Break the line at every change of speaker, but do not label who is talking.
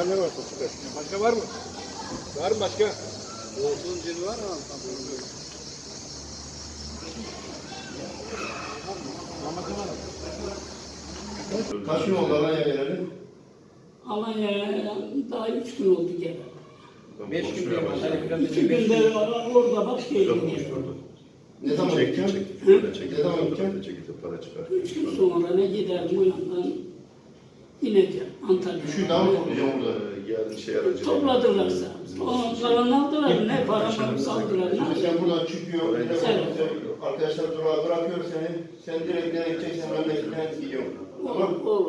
ne varsa çıkar. Başka var mı? Var mı başka?
Olsun cin var mı?
Kaç gün oldu Alanya'ya gelelim?
Alanya'ya daha 3 gün oldu gene.
5 gün değil mi?
2 günde orada başkaydım.
Ne zaman
Çekti,
gideceksin?
çekti. Şöyle çekti.
Ne zaman
Fotoğrafı
gideceksin?
çekti, para çıkar.
3 gün sonra ne giderim o yandan ineceğim Antalya'ya.
Şu daha mı toplayacağım burada?
Geldi şey aracı.
Topladılarsa. O kalan aldılar, ne paramı saldılar, ne
Şimdi sen
yapacağım?
buradan çıkıyorsun, bir de
Evet.
arkadaşlar durağa bırakıyor seni. Sen direkt nereye gideceksen memleketine gidiyorsun.
Olur, olur.